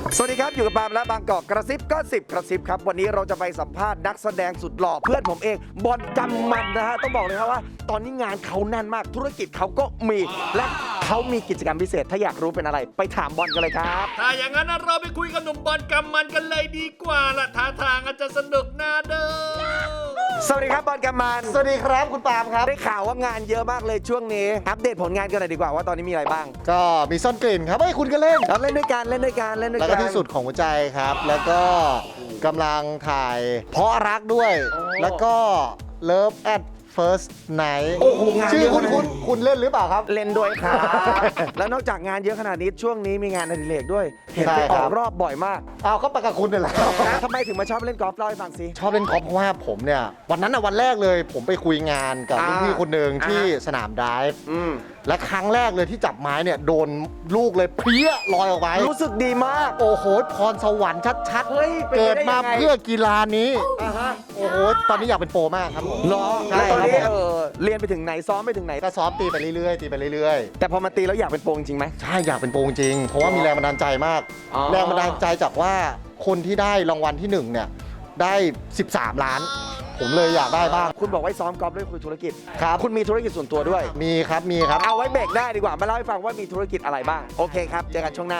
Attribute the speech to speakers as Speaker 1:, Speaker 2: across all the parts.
Speaker 1: สวัสดีครับอยู่กับปาล์มและบางกอกกระซิบก็10กระซิบครับวันนี้เราจะไปสัมภาษณ์นักแสดงสุดหล่อเพื่อนผมเองบอลกำมันนะฮะต้องบอกเลยครับว่าตอนนี้งานเขาแน่นมากธุรกิจเขาก็มีและเขามีกิจกรรมพิเศษถ้าอยากรู้เป็นอะไรไปถามบอลกันเลยครับ
Speaker 2: ถ้าอย่างนั้นเราไปคุยกับหนุ่มบอลกำมันกันเลยดีกว่าล่ะท่าทางอาจจะสนุกน่าเด้อ
Speaker 1: สวัสดีครับบอลกำมัน
Speaker 3: สวัสดีครับคุณปาล์มครับ
Speaker 1: ได้ข่าวว่างานเยอะมากเลยช่วงนี้อัปเดตผลงานกันหน่อยดีกว่าว่าตอนนี้มีอะไรบ้าง
Speaker 3: ก็มีซ่อนกลิ่นครับเฮ้ยคุณก็เล่น
Speaker 1: เราเล่นด้วยกันเล่นด้วยกันเล่นด้วย
Speaker 3: แล้ว
Speaker 1: กั
Speaker 3: ก็
Speaker 1: น
Speaker 3: ที่สุดของหัวใจครับ แล้วก็กำลังถ่ายเพราะรักด้วย แล้วก็ Love at First Night
Speaker 1: โอ้โหงาน
Speaker 3: ชื่อ
Speaker 1: เยอะ
Speaker 3: คุณเล่นหรือเปล่าครับ
Speaker 1: เล่นด้วยครับ แล้วนอกจากงานเยอะขนาดนี้ช่วงนี้มีงานอดิเรกด้วย เห็น
Speaker 3: ใช่
Speaker 1: ไปอ
Speaker 3: ครั
Speaker 1: อบ กรอบบ่อยมาก
Speaker 3: เอาก็ไปกับคุณนี่แหละ
Speaker 1: ทำไมถึงมาชอบเล่นกอล์ฟเล่าให้ฟังสิ
Speaker 3: ชอบเล่นกอล์ฟเพราะว่าผมเนี่ย วันนั้นวันแรกเลย ผมไปคุยงานกับรุ่นพี่คนหนึ่งที่สนามไดฟ์
Speaker 1: อืม
Speaker 3: และครั้งแรกเลยที่จับไม้เนี่ยโดนลูกเลยเพลี้ยลอยออกไป
Speaker 1: รู้สึกดีมาก
Speaker 3: โอ้โหพรสวรรค์ชัด
Speaker 1: เฮ้ยเป็นไปได้
Speaker 3: เกิดมา
Speaker 1: ยังไง
Speaker 3: เพื่อกีฬานี้
Speaker 1: อ่าฮะ
Speaker 3: โอ้โห ตอนนี้อยากเป็นโปรมากครับผม
Speaker 1: เหรอ
Speaker 3: ใช่
Speaker 1: แล้วตอนนี้
Speaker 3: ครับผม
Speaker 1: เรียนไปถึงไหนซ้อมไปถึงไหน
Speaker 3: ก็ซ้อมตีไปเรื่อยๆ ตีไปเรื่อย
Speaker 1: แต่พอมาตีแล้วอยากเป็นโปรจริงไหม
Speaker 3: ๆ ใช่ อยากเป็นโปรจริง เพราะว่ามีแรงบันดาลใจมาก
Speaker 1: อ๋อ
Speaker 3: แรงบันดาลใจจากว่าคนที่ได้รางวัลที่1เนี่ยได้ 13 ล้าน ผมเลยอยากได้บ้าง
Speaker 1: คุณบอกไว้ซ้อมกอล์ฟด้วยคุยธุรกิจ
Speaker 3: ครับ
Speaker 1: คุณมีธุรกิจส่วนตัวด้วย
Speaker 3: มีครับ มีครับ
Speaker 1: เอาไว้เบรกได้ดีกว่ามาเล่าให้ฟังว่ามีธุรกิจอะไรบ้างโอเคครับเจอกันช่วงหน้า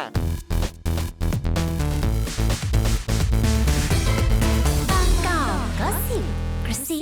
Speaker 4: บางกอกก็สิบกระซิ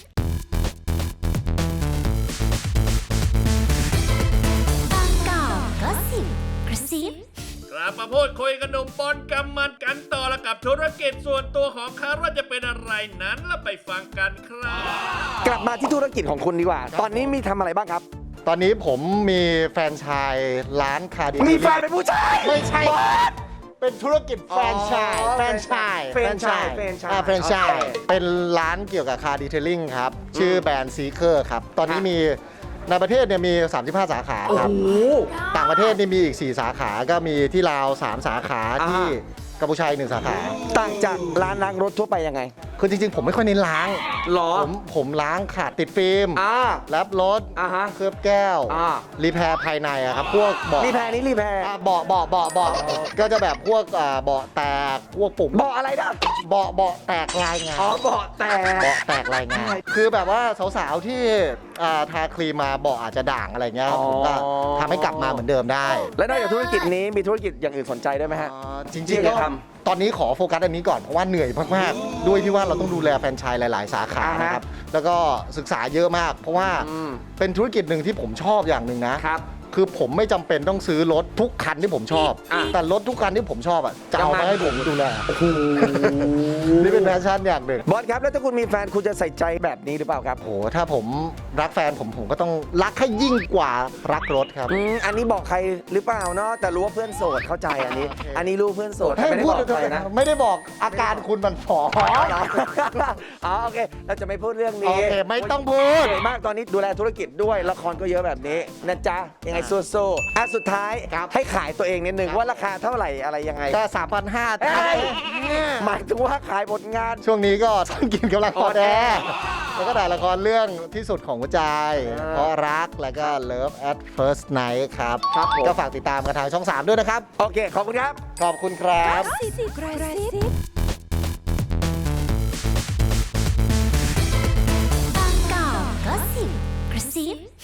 Speaker 4: บางกอกก็สิบกระซิบ
Speaker 2: กลับมาพูดคุยกับหนุ่มบอลกำมันกันต่อละกับธุรกิจส่วนตัวของเขาว่าจะเป็นอะไรนั้นแล้วไปฟังกันครับ
Speaker 1: กลับมาที่ธุรกิจของคุณดีกว่า ตอนนี้มีทำอะไรบ้างครับ
Speaker 3: ตอนนี้ผมมีแฟรนไชส์ร้านคาร์ดิ
Speaker 1: มีแฟนเป็นผู้ชาย
Speaker 3: ไม่ใช่ เป็นธุรกิจแฟรนไชส์
Speaker 1: อ๋อ
Speaker 3: แฟรนไชส์
Speaker 1: แฟรนไชส์แฟรนไชส์
Speaker 3: แฟรนไช
Speaker 1: โอ
Speaker 3: ส์
Speaker 1: เค
Speaker 3: เป็นร้านเกี่ยวกับคาร์ดีเทลลิ่งครับ ชื่อแบรนด์ซีเคอร์ครับ ตอนนี้มีในประเทศเนี่ยมี 35 สาขาครับ ต่างประเทศนี่มีอีก 4 สาขา ก็มีที่ลาว 3 สาขา
Speaker 1: อ่า
Speaker 3: ที่กัมพูชาอีก1 สาขา
Speaker 1: ต่างจากร้านล้างรถทั่วไปยังไง
Speaker 3: คือจริงๆ ผมไม่ค่อยเน้นล้าง
Speaker 1: หรอ
Speaker 3: ผมล้างขาดติดฟิล์ม แลบรถ
Speaker 1: อ่าฮะ
Speaker 3: เคลือบแก้ว
Speaker 1: อ่า
Speaker 3: รีแพร์ภายในอะครับ พวกเบาะ
Speaker 1: รีแพร์นี้รีแพร์
Speaker 3: เบาะก็จะแบบพวกเบาะแตก พวกปุ่ม
Speaker 1: เบาะอะไรนะ
Speaker 3: เบาะแตกลายงาน
Speaker 1: อ๋อเบาะแต่
Speaker 3: เบาะแตกลายงาน คือแบบว่าสาวๆที่ทาครีมมาเบาะอาจจะด่างอะไรเงี้ยครับผมก็ทำให้กลับมาเหมือนเดิมได้
Speaker 1: และนอกจากธุรกิจนี้มีธุรกิจอย่างอื่นสนใจด้วยไหมฮะ
Speaker 3: จริง
Speaker 1: ที่
Speaker 3: ๆ
Speaker 1: จะ
Speaker 3: ก็
Speaker 1: ท
Speaker 3: ตอนนี้ขอโฟกัสอันนี้ก่อนเพราะว่าเหนื่อยมากๆ ด้วยที่ว่าเราต้องดูแลแฟรนไชส์หลาย ๆ สาขา
Speaker 1: อ่าฮะ
Speaker 3: นะครับ แล้วก็ศึกษาเยอะมาก เพราะว่า
Speaker 1: อืม
Speaker 3: เป็นธุรกิจหนึ่งที่ผมชอบอย่างหนึ่งนะ
Speaker 1: ครับ
Speaker 3: คือผมไม่จำเป็นต้องซื้อรถทุกคันที่ผมชอบ
Speaker 1: อ่ะ
Speaker 3: แต่รถทุกคันที่ผมชอบอ่ะจะเอา
Speaker 1: จะมา
Speaker 3: มาให้ผมดูแลนี่เป็นแพชชั่นอย่างหนึ่ง
Speaker 1: บอสครับแล้วถ้าคุณมีแฟนคุณจะใส่ใจแบบนี้หรือเปล่าครับ
Speaker 3: โหถ้าผมรักแฟนผมก็ต้องรักให้ยิ่งกว่ารักรถครับ
Speaker 1: อันนี้บอกใครหรือเปล่าเนาะแต่รู้ว่าเพื่อนโสดเข้าใจอันนี้
Speaker 3: โอเค
Speaker 1: อันนี้รู้เพื่อนโสด
Speaker 3: ให้
Speaker 1: ไม่ได้
Speaker 3: พู
Speaker 1: บ
Speaker 3: ด
Speaker 1: อกใครนะ
Speaker 3: ไม่ได้บอกอาการคุณมันฝ่อ
Speaker 1: อ๋อเหรอ อ๋อโอเคเราจะไม่พูดเรื่องนี้
Speaker 3: โอเคไม่ต้องพูด
Speaker 1: เหนื่อยมากตอนนี้ดูแลธุรกิจด้วยละครก็เยอะแบบนี้นะจ๊ะยังไงสู้ๆอ่ะสุดท้ายให้ขายตัวเองนิดนึงว่าราคาเท่าไหร่อะไรยังไง
Speaker 3: ก็3,500
Speaker 1: เอ้ยหมายถึงว่าขายผลงาน
Speaker 3: ช่วงนี้ก็ต้องกินกำลัง
Speaker 1: อ๋
Speaker 3: พ
Speaker 1: อ
Speaker 3: อแดแล้วก็ถ่ายละครเรื่องที่สุดของหัวใจ
Speaker 1: อ่า
Speaker 3: เพราะรักแล้วก็ Love at First Night ครับ
Speaker 1: ครับผม
Speaker 3: ก็ฝากติดตามกันทางช่อง 3 ด้วยนะครับ
Speaker 1: โอเคขอบคุณครับ
Speaker 3: ขอบคุณครับ
Speaker 4: สิบกระซิบางกอกก็สิบกระซิบ